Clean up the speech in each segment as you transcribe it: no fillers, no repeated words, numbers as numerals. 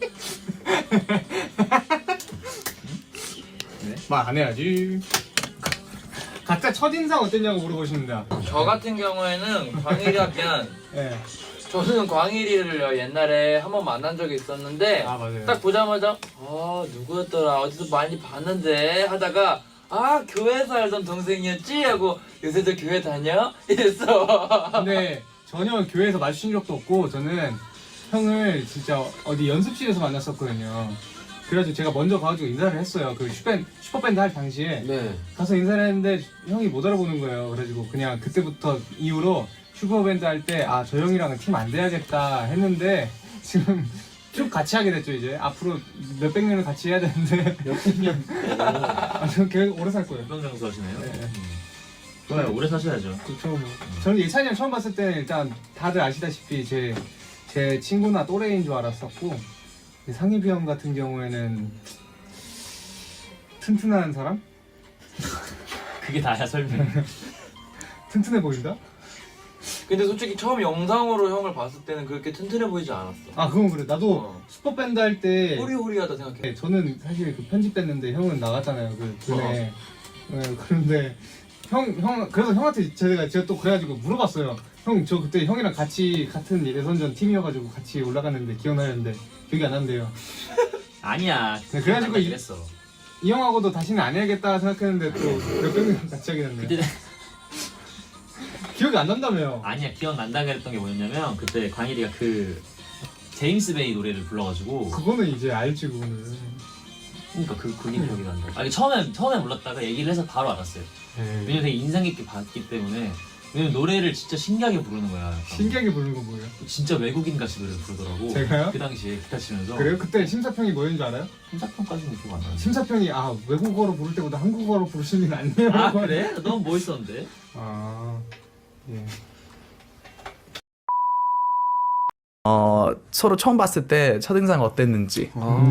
네? 말 안 해야지. 각자 첫인상 어땠냐고 물어보십니다. 저 같은 경우에는 광일이하면 네. 저는 광일이를 옛날에 한번 만난 적이 있었는데 아 맞아요. 딱 보자마자 누구였더라 어디서 많이 봤는데 하다가 교회에서 알던 동생이었지 하고 요새도 교회 다녀? 이랬어. 근데 전혀 교회에서 마주친 적도 없고 저는 형을 진짜 어디 연습실에서 만났었거든요. 그래가지고 제가 먼저 가가지고 인사를 했어요. 그 슈퍼밴드 할 당시에 네. 가서 인사를 했는데 형이 못 알아보는 거예요. 그래가지고 그냥 그때부터 이후로 슈퍼밴드 할 때 저 형이랑은 팀 안 돼야겠다 했는데 지금 쭉 같이 하게 됐죠. 이제 앞으로 몇백 년을 같이 해야 되는데 몇백 년. 저 계속 오래 살 거예요. 연병장수 하시네요. 네. 좋아요. 오래 사셔야죠. 그렇죠. 저는 예찬이 형 처음 봤을 때는 일단 다들 아시다시피 제 친구나 또래인 줄 알았었고 상희비 형 같은 경우에는 튼튼한 사람? 그게 다야 설명. 튼튼해 보인다? 근데 솔직히 처음 영상으로 형을 봤을 때는 그렇게 튼튼해 보이지 않았어. 아 그건 그래. 나도 슈퍼밴드 할 때 호리호리하다 생각해. 저는 사실 그 편집됐는데 형은 나갔잖아요. 그 전에. 네, 그런데 형 그래서 형한테 제가 또 그래가지고 물어봤어요. 형 저 그때 형이랑 같이 같은 예선전 팀이어가지고 같이 올라갔는데 기억나는데 기억이 안 난대요. 아니야. 네, 그래가지고 그랬어. 이 형하고도 다시는 안 해야겠다 생각했는데 또 몇백 년 같이 하게 됐네요. 그때 기억이 안 난다며요. 아니야 기억난다 그랬던 게 뭐였냐면 그때 광일이가 그 제임스 베이 노래를 불러가지고 그거는 이제 알지 그거는. 그러니까 그게 기억이 난다. 아니 처음에 몰랐다가 얘기를 해서 바로 알았어요. 왜냐면 되게 인상 깊게 봤기 때문에. 왜냐면 노래를 진짜 신기하게 부르는 거야. 약간. 신기하게 부르는 거 뭐예요? 진짜 외국인 같이 노래를 부르더라고. 제가요? 그 당시에 기타 치면서. 그래요? 그때 심사평이 뭐였는지 알아요? 심사평까지는 기억 안 나는데. 심사평이 외국어로 부를 때보다 한국어로 부르시는 게 낫네요. 아 그래? 너무 멋있었는데? 예. 서로 처음 봤을 때 첫인상 어땠는지.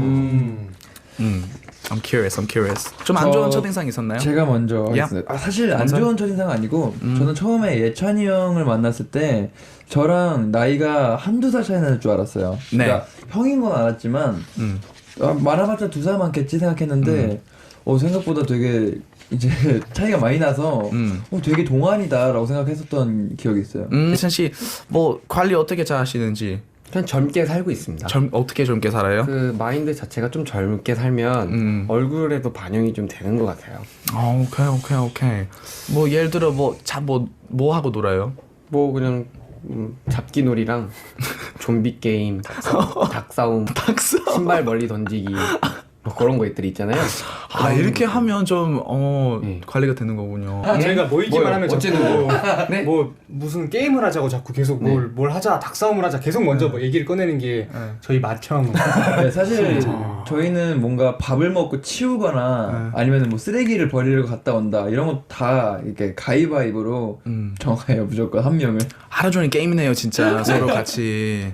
I'm curious. 좀 안 좋은 첫인상 있었나요? 제가 먼저 야. 하겠습니다. 사실 안 먼저? 좋은 첫인상은 아니고 저는 처음에 예찬이 형을 만났을 때 저랑 나이가 한두 살 차이 날 줄 알았어요. 네. 그러니까 형인 건 알았지만 말아봤자 2살 많겠지 생각했는데 생각보다 되게 이제 차이가 많이 나서 되게 동안이다라고 생각했었던 기억이 있어요. 예찬 씨, 뭐 관리 어떻게 잘 하시는지. 그냥 젊게 살고 있습니다. 어떻게 젊게 살아요? 그 마인드 자체가 좀 젊게 살면 얼굴에도 반영이 좀 되는 것 같아요. 오케이. 뭐 예를 들어 뭐 하고 놀아요? 뭐 그냥 잡기놀이랑 좀비 게임, 닭싸움, 신발 멀리 던지기 뭐 그런 것들이 있잖아요. 이렇게 하면 좀 네. 관리가 되는 거군요. 저희가 모이기만 하면 자꾸 네? 뭐 무슨 게임을 하자고 자꾸 계속 뭘 하자 닭싸움을 하자 계속 먼저 뭐 얘기를 꺼내는 게 저희 맏형. 네, 사실 저희는 뭔가 밥을 먹고 치우거나 아니면 뭐 쓰레기를 버리러 갔다 온다 이런 거 다 이렇게 가위바위보로 정해요. 무조건 한 명을. 하루 종일 게임이네요 진짜 서로 같이.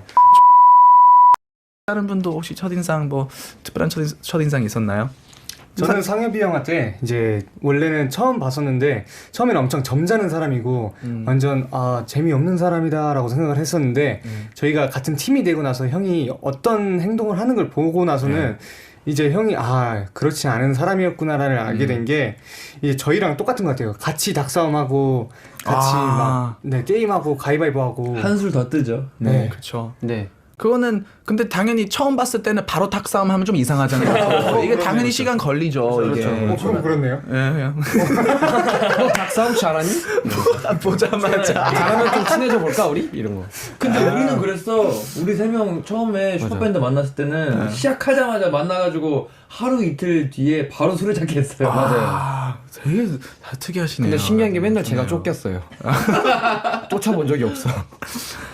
다른 분도 혹시 첫인상 특별한 첫인상 있었나요? 저는 상엽이 형한테 이제 원래는 처음 봤었는데 처음에는 엄청 점잖은 사람이고 완전 재미없는 사람이다라고 생각을 했었는데 저희가 같은 팀이 되고 나서 형이 어떤 행동을 하는 걸 보고 나서는 이제 형이 그렇지 않은 사람이었구나를 알게 된 게 이제 저희랑 똑같은 것 같아요. 같이 닭싸움하고 같이 게임하고 가위바위보하고 한술 더 뜨죠. 네. 그렇죠. 네. 그거는 근데 당연히 처음 봤을 때는 바로 닭싸움 하면 좀 이상하잖아요. 이게 당연히 시간 걸리죠. 이게. 그럼 그렇네요. 예. 닭싸움 잘하니? 보자마자. 잘하면 좀 친해져 볼까 우리? 이런 거. 근데 우리는 그랬어. 우리 3명 처음에 슈퍼밴드 만났을 때는 시작하자마자 만나가지고 하루 이틀 뒤에 바로 술래잡기 했어요. 되게 특이하시네요. 근데 신기한 게 맨날 제가 쫓겼어요. 쫓아본 적이 없어.